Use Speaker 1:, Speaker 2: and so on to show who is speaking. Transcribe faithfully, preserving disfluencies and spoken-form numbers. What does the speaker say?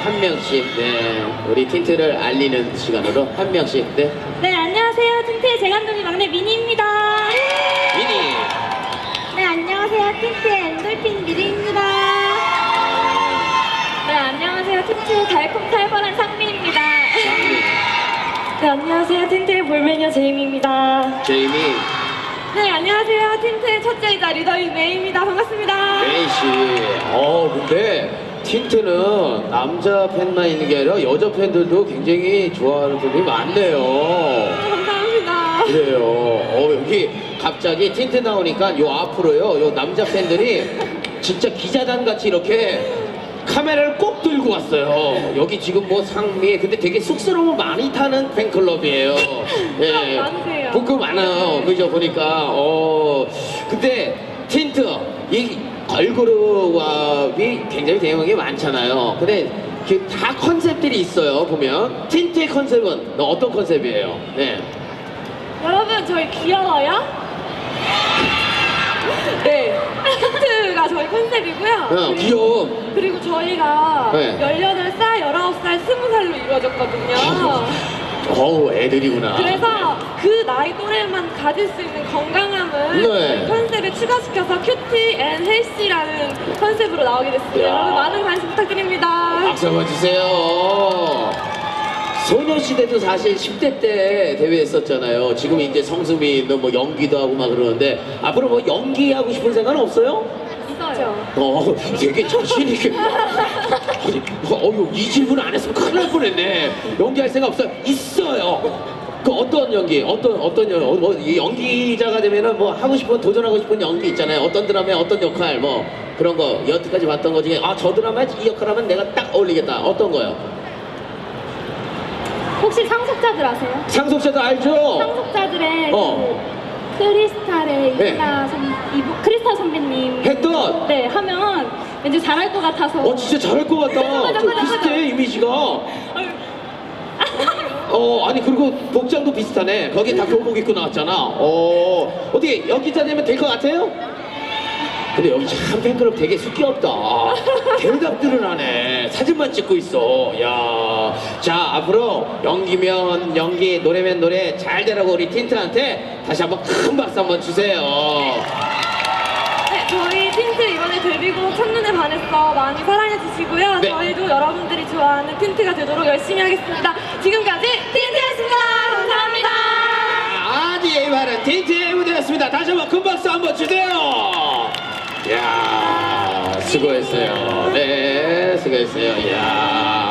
Speaker 1: 한 명씩 네 우리 틴트를 알리는 시간으로 한 명씩 네
Speaker 2: 네, 안녕하세요. 틴트의 재간둥이 막내 미니입니다.
Speaker 1: 미니
Speaker 2: 네, 안녕하세요. 틴트의 엔돌핀 미리입니다. 네, 안녕하세요. 틴트의 달콤살벌한 상미입니다.
Speaker 1: 장미
Speaker 2: 네, 안녕하세요. 틴트의 볼메녀 제이미입니다.
Speaker 1: 제이미
Speaker 2: 네, 안녕하세요. 틴트의 첫째이자 리더인 메이입니다. 반갑습니다.
Speaker 1: 메이 씨. 어 근데 틴트는 남자 팬만 있는 게 아니라 여자 팬들도 굉장히 좋아하는 분들이 많네요.
Speaker 2: 감사합니다.
Speaker 1: 그래요. 어 여기 갑자기 틴트 나오니까 요 앞으로요 요 남자 팬들이 진짜 기자단 같이 이렇게 카메라를 꼭 들고 왔어요. 여기 지금 뭐 상미 근데 되게 쑥스러움을 많이 타는 팬클럽이에요. 예.
Speaker 2: 많으세요.
Speaker 1: 부끄 많아요. 그죠 보니까 어 근데 틴트 이 걸그룹이 굉장히 대형한 게 많잖아요. 근데 그 다 컨셉들이 있어요. 보면 틴트의 컨셉은 어떤 컨셉이에요? 네.
Speaker 2: 여러분, 저희 귀여워요? 네, 틴트가 저희 컨셉이고요.
Speaker 1: 어, 귀여움.
Speaker 2: 그리고 저희가
Speaker 1: 네.
Speaker 2: 열여덟 살, 열아홉 살, 스무 살로 이루어졌거든요.
Speaker 1: 어우 애들이구나.
Speaker 2: 그래서 그 나이 또래만 가질 수 있는 건강함을
Speaker 1: 네.
Speaker 2: 컨셉에 추가시켜서 큐티 앤 헬시라는 컨셉으로 나오게 됐습니다.
Speaker 1: 야.
Speaker 2: 여러분 많은 관심 부탁드립니다.
Speaker 1: 박수 한번 주세요. 소녀시대도 사실 십 대 때 대회했었잖아요. 지금 이제 성수민도 뭐 연기도 하고 막 그러는데 앞으로 뭐 연기하고 싶은 생각은 없어요?
Speaker 2: 있어요.
Speaker 1: 어, 되게 자신 있게. 아니, 어유 이 질문 안 했으면 큰일 날 뻔했네. 연기할 생각 없어요? 있어요. 그 어떤 연기, 어떤 어떤 연, 어, 뭐, 이 연기자가 되면은 뭐 하고 싶은 도전하고 싶은 연기 있잖아요. 어떤 드라마에 어떤 역할 뭐 그런 거 여태까지 봤던 거 중에 아 저 드라마에 이 역할하면 내가 딱 어울리겠다. 어떤 거요?
Speaker 2: 혹시 상속자들 아세요?
Speaker 1: 상속자도 알죠?
Speaker 2: 상속자들의
Speaker 1: 어.
Speaker 2: 그 크리스탈의
Speaker 1: 네.
Speaker 2: 이나 선, 이부, 크리스탈 선배님
Speaker 1: 했던.
Speaker 2: 네 하면 왠지 잘할 것 같아서
Speaker 1: 어 진짜 잘할 것 같다.
Speaker 2: 맞아,
Speaker 1: 저
Speaker 2: 맞아,
Speaker 1: 비슷해
Speaker 2: 맞아.
Speaker 1: 이미지가. 어 아니 그리고 복장도 비슷하네. 거기 다 교복 입고 나왔잖아. 어 어떻게 연기자 되면 될 것 같아요? 근데 여기 참 팬클럽 되게 숙기없다. 대답들을 하네. 사진만 찍고 있어. 야, 자 앞으로 연기면 연기, 노래면 노래 잘 되라고 우리 틴트한테 다시 한번 큰 박수 한번 주세요.
Speaker 2: 네, 저희 틴트 이번에 데뷔곡 첫눈에 반했어 많이 사랑해 주시고요.
Speaker 1: 네.
Speaker 2: 저희도 여러분들이 좋아하는 틴트가 되도록 열심히 하겠습니다. 지금까지 틴트였습니다. 감사합니다.
Speaker 1: 아디에이 바른 틴트의 무대였습니다. 다시 한번 큰 박수 한번 주세요. 야 수고했어요. 네, 수고했어요. 야.